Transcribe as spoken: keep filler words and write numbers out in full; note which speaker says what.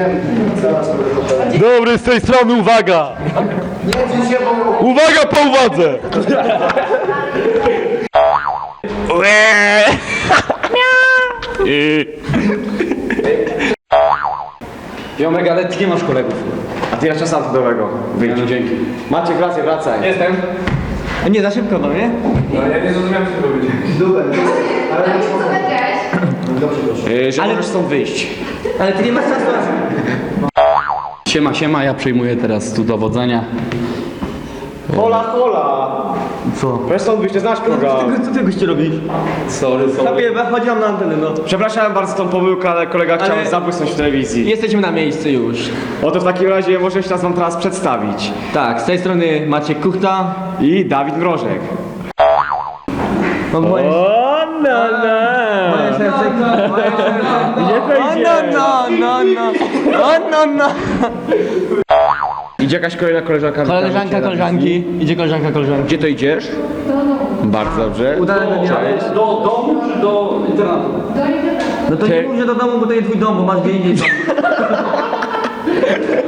Speaker 1: Dobry, z tej strony uwaga! Uwaga po uwadze!
Speaker 2: Jomek, ale ty nie masz kolegów.
Speaker 3: A ty jeszcze sam cudowego. Wyjdź.
Speaker 2: No, dzięki.
Speaker 3: Maciek, wracaj, wracaj.
Speaker 2: Jestem. Nie, za szybko, no nie?
Speaker 3: No ja nie zrozumiałem, co to będzie.
Speaker 4: Ale co powiedziałeś?
Speaker 3: Yy, że
Speaker 2: Ale-
Speaker 3: możesz stąd wyjść.
Speaker 2: Ale ty nie masz czasu. Siema, siema, ja przejmuję teraz tu dowodzenia.
Speaker 3: Hola, hola.
Speaker 2: Co?
Speaker 3: Weź stąd wyjść, nie znasz program.
Speaker 2: Co ty goście robisz?
Speaker 3: Sorry,
Speaker 2: Sobie chodziłam na antenę, no.
Speaker 3: Przepraszam bardzo tą pomyłkę, ale kolega chciał
Speaker 2: Ale-
Speaker 3: zabłysnąć w telewizji.
Speaker 2: Jesteśmy na miejscu już.
Speaker 3: Oto w takim razie może się nas wam teraz przedstawić.
Speaker 2: Tak, z tej strony Maciek Kuchta.
Speaker 3: I Dawid Mrożek.
Speaker 2: Mam moje...
Speaker 3: O, no, no.
Speaker 2: Moje serce... Moje serce...
Speaker 3: Nie wejdzie.
Speaker 2: O, no, no, no, no. O, no, no.
Speaker 3: Idzie jakaś kolejna koleżanka.
Speaker 2: Koleżanka, koleżanki. Idzie koleżanka, koleżanki.
Speaker 3: Gdzie to idziesz? Bardzo dobrze.
Speaker 2: Udane do
Speaker 3: Cześć.
Speaker 2: Do domu czy do internatu? No to nie
Speaker 3: Ty-
Speaker 2: mów, że do domu, bo to nie twój dom, bo masz gdzie indziej dom.